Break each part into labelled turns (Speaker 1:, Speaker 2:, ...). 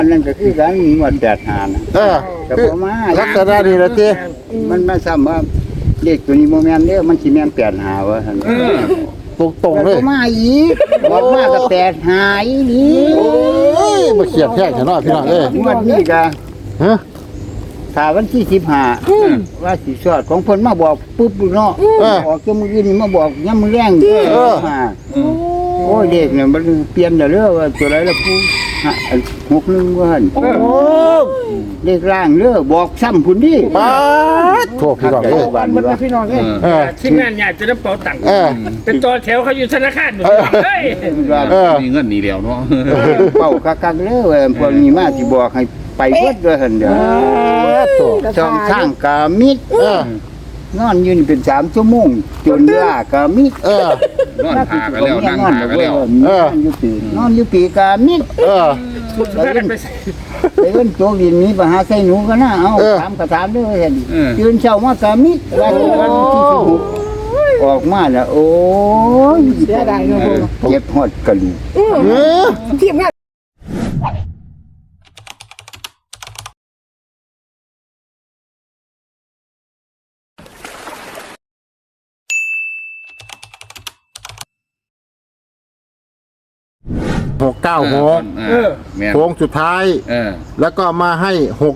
Speaker 1: อันนั้นก็คือการมีหมด8 5นะก็บ่มา
Speaker 2: ลักษณะนี้ละติ
Speaker 1: มันมาซ้ำว่าเลขตัวนี้บ่แม่นเด้อมันสิแม่น8 5ว่าซั่น
Speaker 2: ตรงๆเลย
Speaker 1: บ่มาอีกบอกมาก็8 5อีหลี
Speaker 2: โอ้ยมาเขียนแท้ซะเนาะพี่น้องเอ้ย
Speaker 1: งวดนี้ก็
Speaker 2: ฮะ
Speaker 1: ถ้าวันที่15ว่าสิสอดของเพิ่นมาบอกปุ๊บเนาะออกจังมื้ออื่นนี่มาบอกยามมื้อแรงโอ้ยเด็กเนี่ยมันเปลี่ยนแล้วเด้อว่าตัวไหนล่ะผู้61ว่าหั่น
Speaker 2: โอ้
Speaker 1: เลขร่างเด้อบอกซ้ำพุ่นดิ
Speaker 2: ปาดโทษพี่น้องเอ้ย
Speaker 1: บ้าน
Speaker 3: มัน
Speaker 1: ว่า
Speaker 3: พี่น้องเอ้ยทีมงานใหญ่จะได้เป๋าตังค์เป็นตัวแถวเขาอยู่ธนาคารอยู่เฮ้ย
Speaker 4: มีเงินนี่เดียวเนาะ
Speaker 1: เป้าคักๆเด้อพวกนี้มาสิบอกให้ไปเบิดด้วยหั่นเด้อ
Speaker 2: โต
Speaker 1: ช่องทางกามิดนอนอยู่นี่เป็น3ชั่วโมงจนลากามิด
Speaker 4: นอนหากันแล้วนั่งหากันแล้ว
Speaker 1: นอนอยู่ปีกามิด
Speaker 3: สุดท้ายไปใส่
Speaker 1: ไปเอิ้นโจกดินนี้ไปหาใส่หนูกันนะเอาถามก็ถามเด้อเห็นตื่นเช้ามากามิดวันที่16ออกมาแล้วโอ้ย
Speaker 3: เสียดายเงิน
Speaker 1: เจ็บฮอดกระดูก
Speaker 3: ทีมงาน
Speaker 2: 696
Speaker 4: แม่
Speaker 2: โค้งสุดท้าย แล้วก็มาให้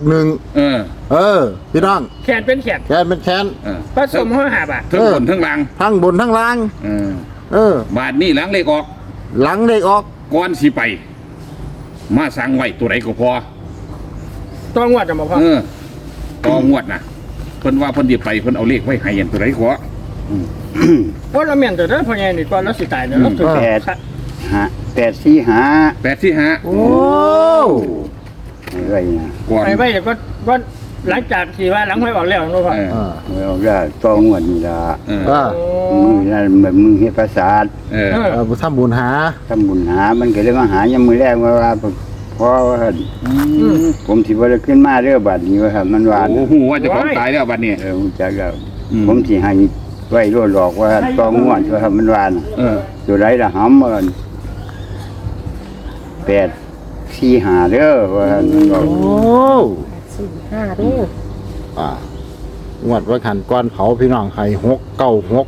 Speaker 2: 61พี่น้อง
Speaker 3: แขนเป็นแขน
Speaker 2: แคนเป็นแคน
Speaker 3: ผสม5 บาท
Speaker 4: ทั้งบนทั้งล่าง
Speaker 2: ทั้งบนทั้งล่าง
Speaker 4: บาทนี่หลังเลขออก
Speaker 2: หลังเลขออก
Speaker 4: ก้อนสิไป มาสั่งไว้ตัวไหนก็พอ
Speaker 3: ต้องวัดจะมาพอ
Speaker 4: ต่องวดนะเพิ่นว่าเพิ่นสิไปเพิ่นเอาเลขไว้ให้ยันตัวไหนก็
Speaker 3: เพราะเราเมียนตัวนั้นพอไงนี่ก่อนเราสิตายเนี่ยเราถึง
Speaker 1: 845
Speaker 4: 845
Speaker 2: โอ้
Speaker 1: อะไรนะ
Speaker 4: ก่อน
Speaker 3: ไปเดี๋ยวก็หลังจากที่ว่าหลังไม่ออกแล้วนะพ่อ
Speaker 1: เอาได้ต้องงวดนี่ล่ะมึงนั่นแบบมึงเฮ็ดประสาท
Speaker 2: ทำบุญหา
Speaker 1: ทำบุญหามันก็เลยมาหายามมื้อแรกว่าพอว่าผมสิบ่ได้ขึ้นมาเด้อบัดนี้ว่าครับมันว่า
Speaker 4: โอ้โหว่าจะของตายแล้วบัดนี้
Speaker 1: ผมจักแล้วผมสิให้ไว้โลดหลอกว่าต้องงวดว่าครับมันว่าตัวไรล่ะหำมัน845เด้อว่ามันบอก
Speaker 2: โอ้
Speaker 3: 5เด้อง
Speaker 2: วดว่าขันก้อนเผาพี่น้องให้696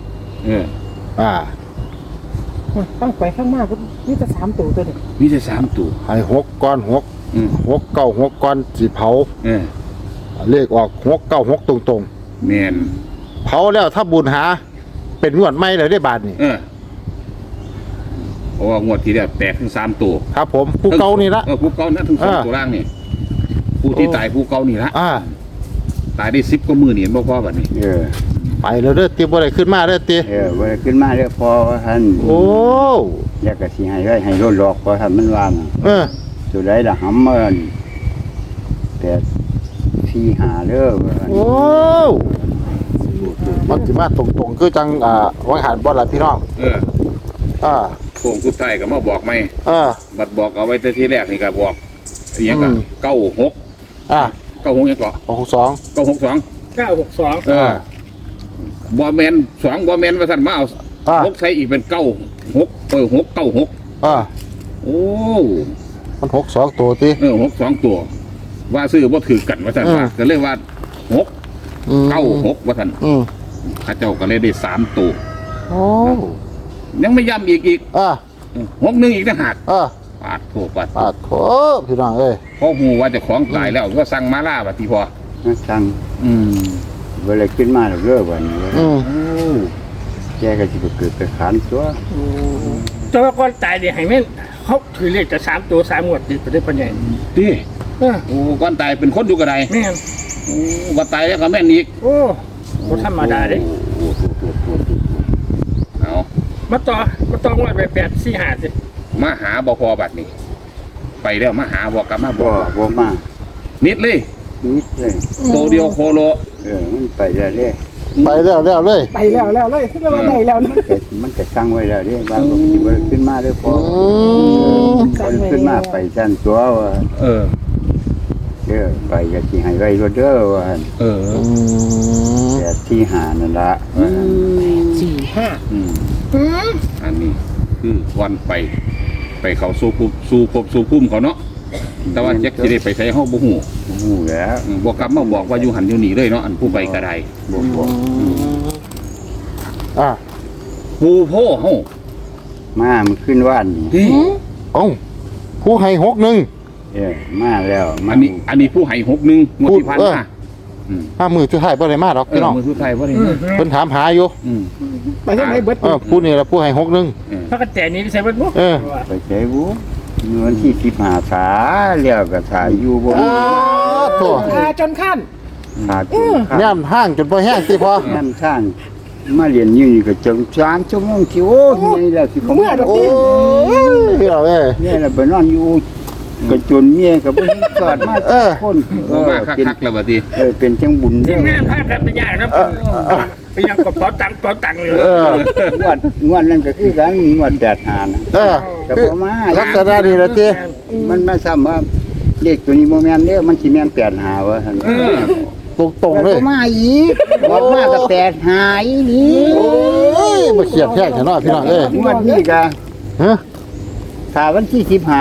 Speaker 3: ต้องไปข้างมากนี่จะ3ตัวนี่
Speaker 4: มีแต่3ตัว
Speaker 2: ให้6ก้อน696ก้อนสิเผาเลขออก696ตรง
Speaker 4: แม่น
Speaker 2: ๆเผาแล้วถ้าบุญหาเป็นงวดใหม่เลยได้บาทนี่
Speaker 4: เพราะว่างวดที่แล้วแตกถึง3ตัว
Speaker 2: ครับผมผู้เก่านี่ละ
Speaker 4: ผู้เก่านะถึง2ตัวล่างนี่ผู้ที่ตายผู้เก่านี่ละตายได้10กว่ามื้อนี่เห็นบ่พอบัดนี้
Speaker 2: ไปแล้วเด้อเตรียมบ่ได้ขึ้นมาเด้อเตรีย
Speaker 1: บ่ได้ขึ้นมาเด้อพอว่าท่าน
Speaker 2: โอ้
Speaker 1: แล้วก็สิให้ไว้ให้โลดหลอกว่าครับมันว่าตัวไรล่ะหำมัน845เด้อว่า
Speaker 2: โอ้มันสิมาตรงๆคือจังวังหันบ่ล่ะพี่น้อง
Speaker 4: โค้งสุดท้ายก็มาบอกไหมบัดบอกเอาไว้แต่ทีแรกนี่ก็บอกอีหยังก็96ยังก็
Speaker 2: 62
Speaker 4: 962 บ่แม่น2บ่แม่นว่าซั่นมาเอา6ใส่อีกเป็น96 696โอ้
Speaker 2: มัน62ตัวติ
Speaker 4: 62ตัวว่าซื้อบ่ถือกันว่าซั่นว่าก็เลยว่า696ว่าซั่นข้าเจ้าก็เลยได้3ตัว
Speaker 2: โอ้
Speaker 4: ยังไม่ย้ำอีก61อีกต่างหากปาดโทษปาด
Speaker 2: โถพี่น้องเอ้ย
Speaker 4: เพราะฮู้ว่าเจ้าของตายแล้วก็สั่งมาล่าบัดนี้พอ
Speaker 1: สั่งบ่ได้ขึ้นมาเด้อบัดนี้แกก็สิเกิดไปขานตัว
Speaker 3: แต่ว่าก่อนตายดิให้แม่นเขาถือเลขจะ3ตัว3งวดติดไปได้ปานใหญ่
Speaker 4: ติโอ้ก่อนตายเป็นคนอยู่กระได
Speaker 3: แม่น
Speaker 4: โอ้บ่ตายแล้วก็แม่นอีก
Speaker 3: โอ้บ่ธรรมดาเด้
Speaker 4: เอา
Speaker 3: มาต่องวดไป845สิ
Speaker 4: มาหาบ่พอบัดนี้ ไปแล้วมาหาบ่กลับมาบ่
Speaker 1: บ่มา
Speaker 4: นิดเลย
Speaker 1: นิดเลย
Speaker 4: โตเดียวโคโล
Speaker 1: มันไปแล้วเด้
Speaker 2: ไปแล้วเลย
Speaker 3: ไปแล้วเลยคือว่าได้แล้ว
Speaker 1: มันก็สั่งไว้แล้วเด้บางคนสิบ่ได้ขึ้นมาเด้อพอขึ้นมาไปสั่นตัวว่าไปก็สิให้ไว้เด้อว่า845นั่นล่ะ
Speaker 3: 45
Speaker 4: อันนี้คือวันไปเขาสู่ภพสู่ภูมิเขาเนาะแต่ว่าจักสิได้ไปใส่เฮาบ่ฮู้
Speaker 1: หูแล้ว
Speaker 4: บ่กลับมาบอกว่าอยู่หันอยู่นี่เลยเนาะอันผู้ไปก็ได้
Speaker 1: บอก
Speaker 2: อ่า
Speaker 4: ผู้โพเฮา
Speaker 1: มามันขึ้นว่านนี่
Speaker 4: เฮ้ย
Speaker 2: เอ้าผู้ให้หกหนึ่ง
Speaker 1: มาแล้ว
Speaker 4: อันนี้ผู้ให้61งวดที่ผ่านมา
Speaker 2: ห้ามือสุดท้ายบ่ได้มาหรอกพี่น้อง
Speaker 4: มือสุดท้ายบ่ได้
Speaker 2: เพิ่นถามหาอยู่
Speaker 3: ไปทางไหนเบิด
Speaker 2: ผู้นี่ละผู้ให้หกหนึ่ง
Speaker 3: พระกระแจนี้ใส่เบิดบ่
Speaker 1: ไปใช้บุเงินที่15ขาแล้วก็ถ่ายอยู่บ่
Speaker 2: โถ่
Speaker 5: ทาจนขั้น
Speaker 1: ขาดอยู่
Speaker 2: ย่ำห้างจนบ่แห้งติพอ
Speaker 1: น้ำท่านมาเรียนอยู่นี่ก็จน3ชั่วโมงที่โอ้ยนี่แหละสิผม
Speaker 2: โอ้ยพี่เราเอ้ย
Speaker 1: เนี่ยแหละไปนอนอยู่ก็จนเมียก็บ่เห็นกอดมาคน
Speaker 4: บ่มาคักๆแล้วบัดนี้
Speaker 1: เป็นจังบุญ
Speaker 3: ที
Speaker 1: เด้
Speaker 3: มงานพากันไปยากนะไปยังกับเป๋าตังค์เลย
Speaker 1: งวดนั้นก็คือกันงวด8หานะ ก็บ่มา
Speaker 2: ลักษณะนี้ละติ
Speaker 1: มันมาซ้ำว่าเลขตัวนี้บ่แม่นเด้อมันสิแม่น8หาว่าซั่น
Speaker 2: ตรงๆเลย
Speaker 1: ก็มาอีกบอกมาก็8หาอีนี่
Speaker 2: โอ้ยมาเขียดแค่ฉันเนาะพี่น้องเอ้ย
Speaker 1: งวดนี้ก็
Speaker 2: ฮะ
Speaker 1: ถ้าวันที่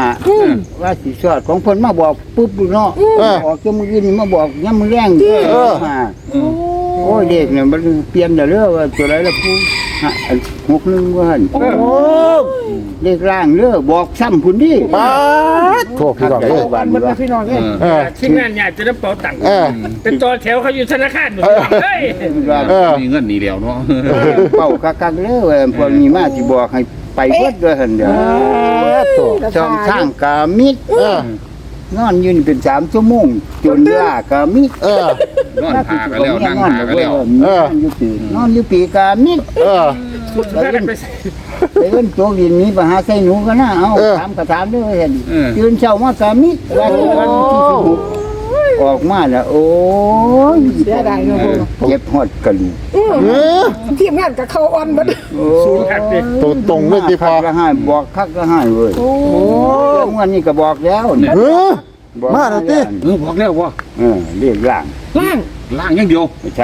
Speaker 1: 15ว่าสิสอดของเพิ่นมาบอกปุ๊บเนาะออกจมื้อนี้มาบอกยามมื้อแรงโอ้ยเด็กเนี่ยมันเปลี่ยนเด้อว่าตัวไหนล่ะผู้61ว่าหั่น
Speaker 2: โอ้
Speaker 1: เลขล่างเด้อบอกซ้ำพุ่นดิ
Speaker 2: ปาดโทษพี่น้องเอ้ย
Speaker 1: บ้าน
Speaker 5: มัน
Speaker 1: ว่า
Speaker 5: พี่น้องเอ้ย
Speaker 3: ทีมงานอยากจะได้เป๋าตังค์
Speaker 2: เออ
Speaker 3: เป็นตัวแถวเขาอยู่ธนาคารเฮ้ย
Speaker 4: มีเงินนี่แล้วเนาะ
Speaker 1: เป่าคักๆเด้อว่าพวกนี้มาสิบอกให้ไปเบิดเด้อหั่นเด้อ
Speaker 2: โถ่
Speaker 1: ช่องทางกามิดนอนอยู่นี่เป็น3ชั่วโมงจนลากามิด
Speaker 4: นอนพากันแล้วนั่งพากันแล้ว
Speaker 1: นอนอยู่ปีกามิด
Speaker 3: พากันไป
Speaker 1: ไปเอิ้นโจกดินนี้ไปหาใส่หนูกันนะเอาถามก็ถามเด้อเห็นตื่นเช้ามากามิดวันที่16ออกมาแล้วโอ้ย
Speaker 5: เสียดายเนาะ
Speaker 1: เจ็บฮอดกะลี
Speaker 5: ทีมงานกับเขาอ่อนเบิด
Speaker 3: ศูนย์หักดิ
Speaker 2: ตรงๆเลยติพอ
Speaker 1: ก็ให้บอกคักก็ให้เว้ย
Speaker 5: โอ้
Speaker 1: เรื่องวันนี้ก็บอกแล้ว
Speaker 2: เออ มาแล้วติ
Speaker 4: บอกแล้วว่า
Speaker 1: เรียกล่าง
Speaker 5: ล่าง
Speaker 4: ล่างอย่างเดียว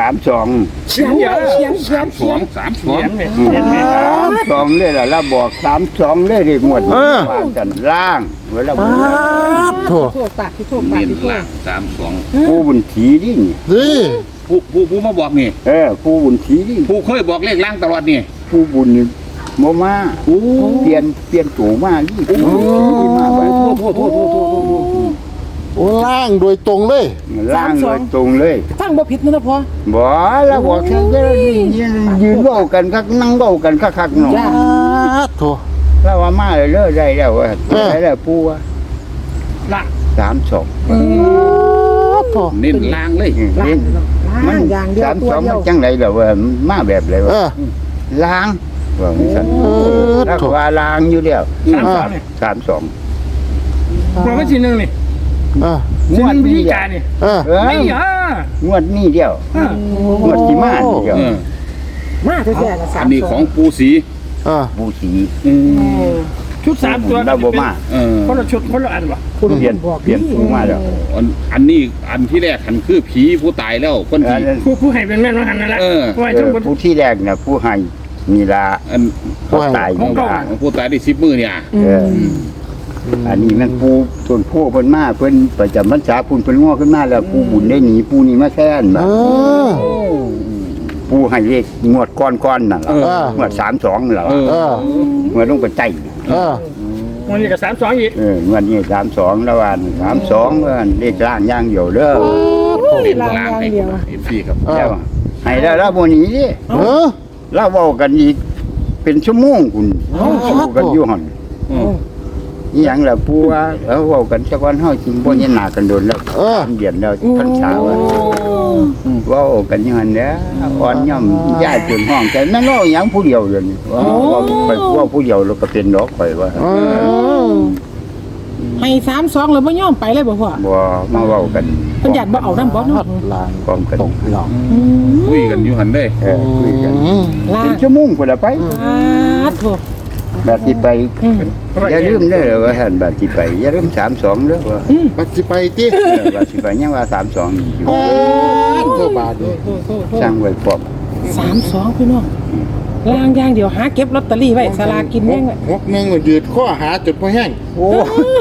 Speaker 1: 32
Speaker 5: เขียนเขียน
Speaker 4: 32
Speaker 3: เขียนเนี่ยเห็นไหม
Speaker 1: 32เลยล่ะแล้วบอก32เลยเรียกหมดว่ากันล่างเวลา
Speaker 2: ปาดโถ่
Speaker 5: โทษปากที่โทษปาก
Speaker 4: เน้น
Speaker 5: ที่โท
Speaker 4: ล่า
Speaker 5: ษ
Speaker 4: ง32
Speaker 1: ผู้บุญถีนี่
Speaker 2: นี่
Speaker 4: ผู้มาบอกนี่
Speaker 1: ผู้บุญถีนี่
Speaker 4: ผู้เคยบอกเลขล่างตลอดนี่
Speaker 1: ผู้บุญนี่บ่มาเปลี่ยนตัวมานี่ที่มาไป
Speaker 2: โอ้ล่างโดยตรงเลย
Speaker 1: ล่างเลยตรงเลย
Speaker 5: ฟังบ่ผิดนะพ่อ
Speaker 1: บ่แล้วบอกแค่ยืนเว้ากันคักนั่งเว้ากันคักๆเนาะ
Speaker 2: ปาดโถ่
Speaker 1: แล้วว่ามาเลยได้แล้วว่าได้แล้วปู่ว่า
Speaker 3: ละ
Speaker 1: 32
Speaker 2: โถ่
Speaker 4: เน้นล่างเลย
Speaker 5: ล่างล่างอย่างเดียวตัว
Speaker 1: 32
Speaker 5: เดี
Speaker 1: มั
Speaker 5: ย
Speaker 1: น
Speaker 5: ว
Speaker 1: จังได๋ล่ะว่ามาแบบไรวะ
Speaker 2: เออ
Speaker 1: ล้างว่ามันซั่นแล้วก็ว่าล้างอยู่แล้ว
Speaker 3: 32เนี่ย
Speaker 1: 32
Speaker 3: เราไม่ทีหนึ่งนี่
Speaker 2: เออ
Speaker 1: งวด
Speaker 3: วิ
Speaker 1: นี้
Speaker 3: ธี
Speaker 1: เดีย
Speaker 3: การ
Speaker 1: ว
Speaker 3: นี่
Speaker 2: เออ
Speaker 3: ไม่เหรอง
Speaker 1: วดนี้เดียวงวดที่มานี่เดียว
Speaker 5: มาแท้ๆนะ
Speaker 4: อันนี้ของปูสี
Speaker 2: เออ
Speaker 1: ผู้สี
Speaker 3: ชุด3ตัว
Speaker 1: เราบ่มา
Speaker 3: คนละชุดคนละอันวะ
Speaker 1: เปลี่ยนผู้มาแล้ว
Speaker 4: อันนี้อันที่แรกหันคือผีผู้ตายแล้วคนที่
Speaker 3: ผู้ให้เป็นแม่นว่าหันนั่นแหละผู้ให้ทั้งหมด
Speaker 1: ผู้ที่แรกน่ะผู้ให้นี่ล่ะ
Speaker 4: อัน
Speaker 1: เขาตายนี่ล่ะ
Speaker 4: ของผู้ตายได้10 มื้อเนี่ย
Speaker 1: อันนี้มันผู้ส่วนผู้เพิ่นมาเพิ่นประจำพรรษาคุณเพิ่นง้อขึ้นมาแล้วผู้บุญได้หนีผู้นี้มาแทน
Speaker 2: เออ
Speaker 1: ผู้ให้เลขงวดก้อนๆนั่นล่ะงวด32นั่นล่ะ
Speaker 2: เออ
Speaker 1: งวดลงไปใต้
Speaker 2: เออ
Speaker 3: วันนี้ก็32อีก
Speaker 1: งวดนี้32แล้ววัน32ว่าเลขล่างอย่างเดียวเด้อ
Speaker 4: เน้นล่างให้พี่ครับ
Speaker 1: แล้วให้แล้วบ่หนีดิ
Speaker 2: เออ
Speaker 1: เราเว้ากันอีกเป็นชั่วโมงคุณสู้กันอยู่หั่นอีหยังล่ะปู่ว่าเว้ากันสักวันเฮาสิบ่เห็นหน้ากันโดนแล้วเดือนแล้วพรรษาว่าเว้ากันอยู่หั่นแหละอ่อนย่อมย้ายจนห้องแต่แม่นเว้าหยังผู้เดียวเดี๋ยวนี้ว่าผู้เดียวแล้วก็เป็นดอกข่อยว่า
Speaker 2: เออ
Speaker 5: ให้32แล้วบ่ยอมไปเลยบ่พ่อ
Speaker 1: บ่มาเว้ากัน
Speaker 5: เพิ่นอยากบ่เอานำบ่เนาะ
Speaker 2: ลาง
Speaker 1: พร้อมกัน
Speaker 2: ตรงพี่น้อง
Speaker 4: คุยกันอยู่หันได้
Speaker 1: คุยกัน
Speaker 5: ล่า
Speaker 1: เป็
Speaker 5: ง
Speaker 1: นชั่วโมงพุ่นละไป
Speaker 5: โทษ
Speaker 1: แบบที่ไปอย่าลืมเด้อว่าหั่นแบบที่ไปอย่าลืม32เด้อว่า
Speaker 2: ปัจจิไปติ
Speaker 1: แบบที่ไปยังว่า32นี่อยู่
Speaker 2: โถ่บาดเลย
Speaker 1: สร้างไว้พร้อม
Speaker 5: 32พี่น้องล่างอย่างเดียวหาเก็บลอตเตอรี่ไว้สลากกินแม่งไว้
Speaker 2: หกหนึ่งยืดข้อหาจนพอแห้ง
Speaker 1: โอ้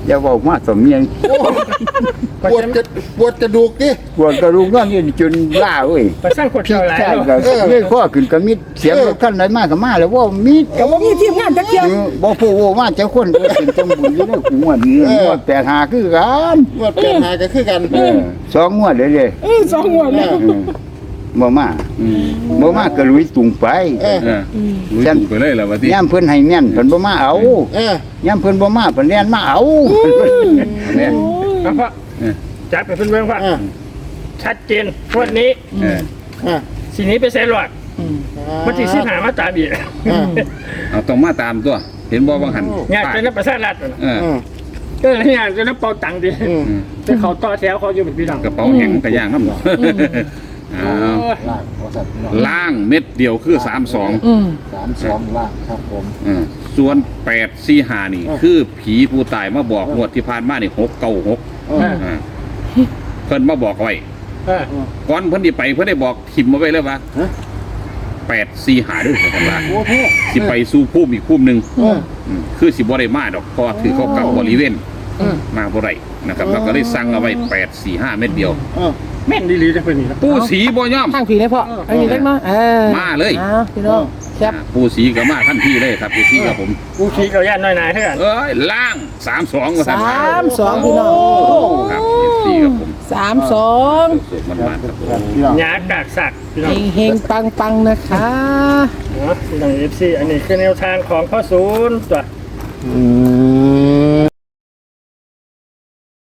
Speaker 1: อย่าบอกมาสมเมียง
Speaker 2: ปวดจะปวดกระดูกดิ
Speaker 1: ปวดกระดูกนอนนี่จนล่าเว้ย
Speaker 3: ไปสร้างคนเดียวหลาย
Speaker 1: แค่
Speaker 3: เนาะ
Speaker 1: ก็นี่ข้อขึ้นก็มิดเสียงรถคันไหนมาก็มาแล้วว่ามิด
Speaker 5: ก็บ่มีทีมงานจักเที่ย
Speaker 1: บ่พูดว่าเจ้าคนก็เป็นจังบุญอยู่ในกูงวดนี้งวด85คือกัน
Speaker 2: ปวดแปดหาก็คือกัน
Speaker 1: สองงวดเลย
Speaker 5: สองหัวแล้ว
Speaker 1: บ่มาบ่มาก็ลุยตุงไป
Speaker 4: ลุยตู่ไปเลยแล้วว่าที่
Speaker 1: ย่ามเพิ่นให้แม่นเพิ่นบ่มาเอา ย่ามเพิ่นบ่มาเพิ่นแล่นมาเอา
Speaker 4: เนี่ย
Speaker 3: เอาเพราะจัดไปเพิ่นเบิ่งว่าชัดเจนวันนี้สีนี้ไปเซ็นหลอดมันที่สิหามาตามอีก
Speaker 4: เอาต้องมาตามตัว เห็นบ่บางหัน
Speaker 3: งานเป็นนักประชารัฐน่ะ
Speaker 4: เออ
Speaker 3: ก็เลยงานจะนับเป่าตังค์ดิแต่เขาต่อแถวเขาอยู่เป็นพี่น้อง
Speaker 4: กระเป๋าแห้งกระย่างน้ำหมอล่างเม็ดเดียวคือ32
Speaker 2: 32ล่างครับผม
Speaker 4: ส่วน845นี่ คือผีผู้ตายมาบอกงวดที่ผ่านมานี่696เพิ่นมาบอกไว้ก่อนเพิ่นสิไปเพิ่นได้บอกทิมมาไว้เลยว่า845ด้วยกันว่า
Speaker 2: โอ้โห
Speaker 4: สิไปสู่ภูมิอีกภูมิหนึงคือสิบ่ได้มาดอกเพราะว่าถือเขากับบริเวณมาบ่ได้นะครับแล้วก็ได้สั่งเอาไว้845เม็ดเดียว
Speaker 3: แม่นดีๆจะเป็นนี่นะ
Speaker 4: ปูสีบ่ยอม
Speaker 5: ทางผีได้พ่ออันนี้เล็กเนาะ
Speaker 4: มาเลย
Speaker 5: พี่น้องแคป
Speaker 4: ปูสีก็มาทันทีเลยครับปูสีกับผม
Speaker 3: กูชี้กับญาติน้อยนายเท่ากัน
Speaker 4: เอ้ยล่าง32ว่าซั่น
Speaker 5: 32พี่น้อง
Speaker 4: ครับปูสีกับผม
Speaker 5: 32
Speaker 4: สุดมันๆครับผม
Speaker 2: พี่น้อง
Speaker 3: หยาดากสักพี่น้อง
Speaker 5: เฮงๆปังๆนะคะ
Speaker 3: พี่น้อง FC อันนี้คือแนวทางของพ่อศูนย์ตัว